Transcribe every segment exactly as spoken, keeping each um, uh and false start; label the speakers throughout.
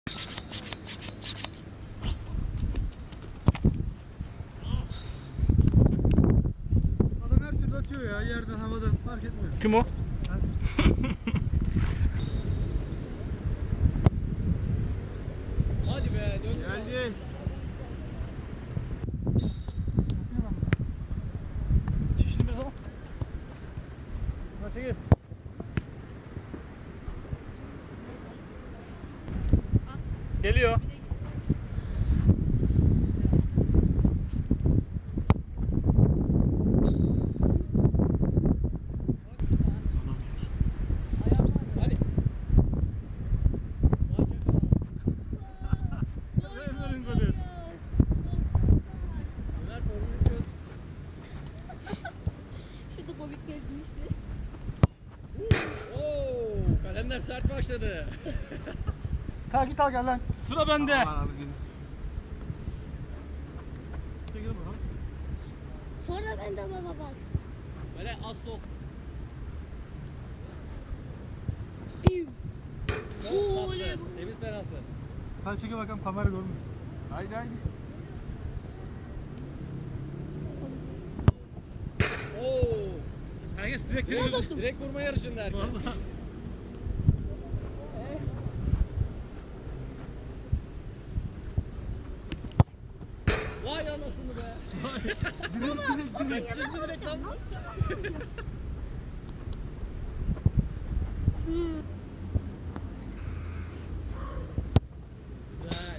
Speaker 1: Adam her türlü atıyor ya, yerden, havadan fark etmiyor.
Speaker 2: Kim o?
Speaker 3: Hadi be, dön.
Speaker 1: Geldi.
Speaker 2: Çişini biraz al. Hadi çekil. Geliyor.
Speaker 3: Hadi.
Speaker 2: Ömer'in golü.
Speaker 3: Ömer formunu çöz.
Speaker 4: Şurada komik gezmişti.
Speaker 3: Oo, kalender sert başladı.
Speaker 1: Kalk git al gel lan.
Speaker 2: Sıra bende.
Speaker 1: Aman abi deniz.
Speaker 2: Çekil bakalım.
Speaker 4: Sonra ben de baba bak.
Speaker 3: Böyle az sol.
Speaker 4: Piu.
Speaker 3: Çok
Speaker 4: Oo,
Speaker 3: tatlı.
Speaker 4: oley.
Speaker 3: Temiz penaltı.
Speaker 1: Hadi çekil bakalım, kamera görmüyor. Haydi haydi.
Speaker 3: Oo,
Speaker 2: Herkes direkt
Speaker 4: Biraz
Speaker 2: direkt.
Speaker 4: attım.
Speaker 3: direkt vurma yarışında herkes. Vay anasını be.
Speaker 1: Direkt direkt direkt.
Speaker 3: Şimdi direkt lan. Güzel.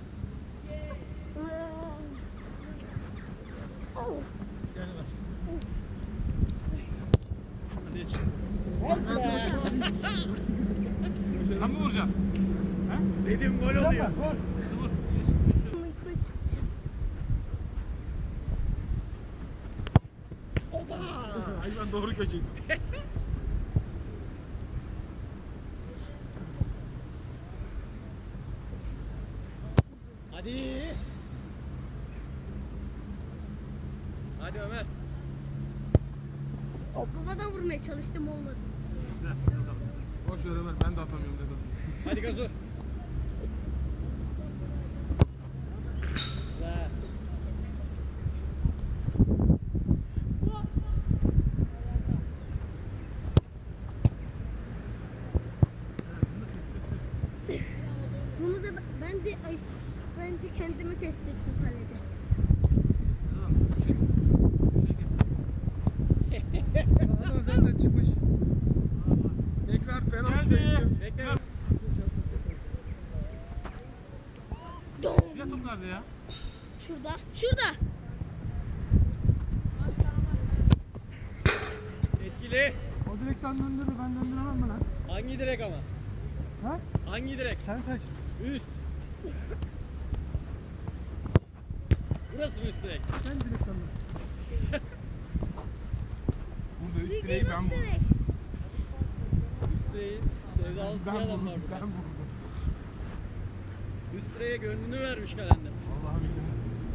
Speaker 2: Gel ver. Hadi geç. Sen mi vuracaksın?
Speaker 3: Dedim gol oluyor.
Speaker 2: Vur.
Speaker 1: Ay ben doğru köşeydim.
Speaker 3: Hadi. Hadi Ömer.
Speaker 4: Babadan vurmaya çalıştım olmadı.
Speaker 2: Gel, bakalım.
Speaker 1: Boş ver Ömer, ben de atamıyorum dedi.
Speaker 3: Hadi gazu. La.
Speaker 4: Bunu da ben- ben de ay ben de kendimi test ettim kalede.
Speaker 2: Şey, şey kestim.
Speaker 1: Adam zaten çıkmış. Tekrar penaltı
Speaker 2: Geldi.
Speaker 1: sayılıyor.
Speaker 3: Bekle.
Speaker 2: Ya top nerede ya?
Speaker 4: Şurada. Şurada.
Speaker 3: Etkili.
Speaker 1: O direkten döndürdü, ben döndüremem mi lan?
Speaker 3: Hangi direk ama?
Speaker 1: Ha?
Speaker 3: Hangi direk?
Speaker 1: Sen seç.
Speaker 3: Üst. Burası mı üst direk?
Speaker 1: Sen direkten dön. Burada üst
Speaker 4: Bir
Speaker 1: direği ben vurdum.
Speaker 4: direkt.
Speaker 3: Üst direğin sevdalısı bir
Speaker 1: Ben
Speaker 3: adam
Speaker 1: vurdum,
Speaker 3: var
Speaker 1: ben
Speaker 3: burada.
Speaker 1: vurdum.
Speaker 3: Üst direğe gönlünü vermiş kalender.
Speaker 1: Vallahi billahi.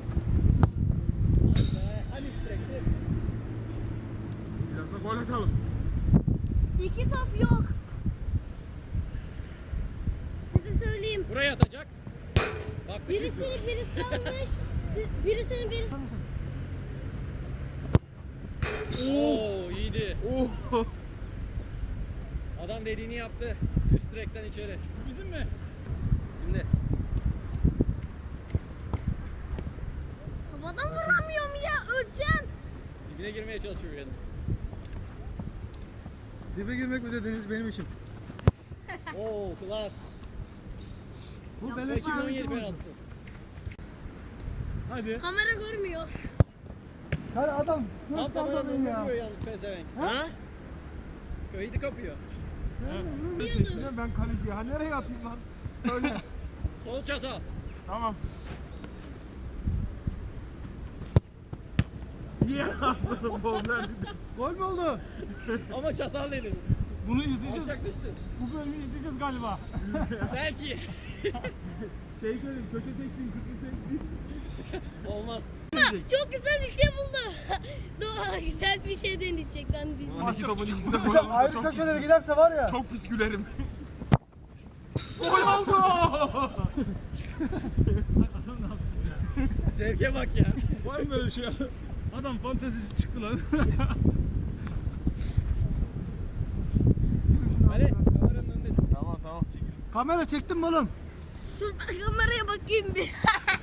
Speaker 3: Hadi be. Hani üst direkte?
Speaker 1: Biraz da gol atalım.
Speaker 4: İki top yok. Size söyleyeyim.
Speaker 3: Buraya atacak. Bak
Speaker 4: Birisini birisi almış. Birisini birisi.
Speaker 3: Oo iyiydi.
Speaker 1: Oh.
Speaker 3: Adam dediğini yaptı. Üst direkten içeri.
Speaker 2: Bu bizim mi?
Speaker 3: Şimdi
Speaker 4: Havadan vuramıyorum ya, öleceğim.
Speaker 3: dibine girmeye çalışıyor yani.
Speaker 1: Dibe girmek mi dediniz benim işim?
Speaker 3: Oo klas.
Speaker 1: Bu
Speaker 4: Ya,
Speaker 1: beleş
Speaker 3: iki bin on yedi
Speaker 1: bir
Speaker 3: penaltısı.
Speaker 2: Hadi.
Speaker 4: Kamera görmüyor.
Speaker 1: Hadi adam,
Speaker 3: Tam
Speaker 1: göster
Speaker 3: tamamen
Speaker 1: beni ya.
Speaker 3: vuruyor yalnız pezevenk.
Speaker 2: Ha?
Speaker 3: Köyde kapıyor.
Speaker 4: Diyordu.
Speaker 1: Ben kaleci, ha nereye atayım lan? Söyle.
Speaker 3: Sol çatal.
Speaker 1: Tamam. Niye ağzını bol verdi? Gol mü oldu?
Speaker 3: Ama çatal dedim.
Speaker 2: Bunu izleyeceğiz.
Speaker 3: Alçak düştü.
Speaker 2: Bu bölümü izleyeceğiz galiba.
Speaker 3: Belki.
Speaker 1: Şey söyleyeyim, köşe seçtin, kırkı seçtin.
Speaker 3: Olmaz.
Speaker 4: Çok güzel bir şey buldu. Doğa güzel bir şey deneyecek ben bir.
Speaker 1: on iki topun içinde gol olursa
Speaker 5: Ayrı
Speaker 1: çok
Speaker 5: köşelere giderse var ya.
Speaker 1: Çok pis gülerim. Gol oldu.
Speaker 2: Adam ne yaptı ya?
Speaker 3: Zevke bak ya.
Speaker 2: Var mı böyle şey? Adam fantezisi çıktı lan.
Speaker 3: Ali kameranın önündesin.
Speaker 1: Tamam tamam çekil. Kamera çektin mi oğlum?
Speaker 4: Dur ben kameraya bakayım bir.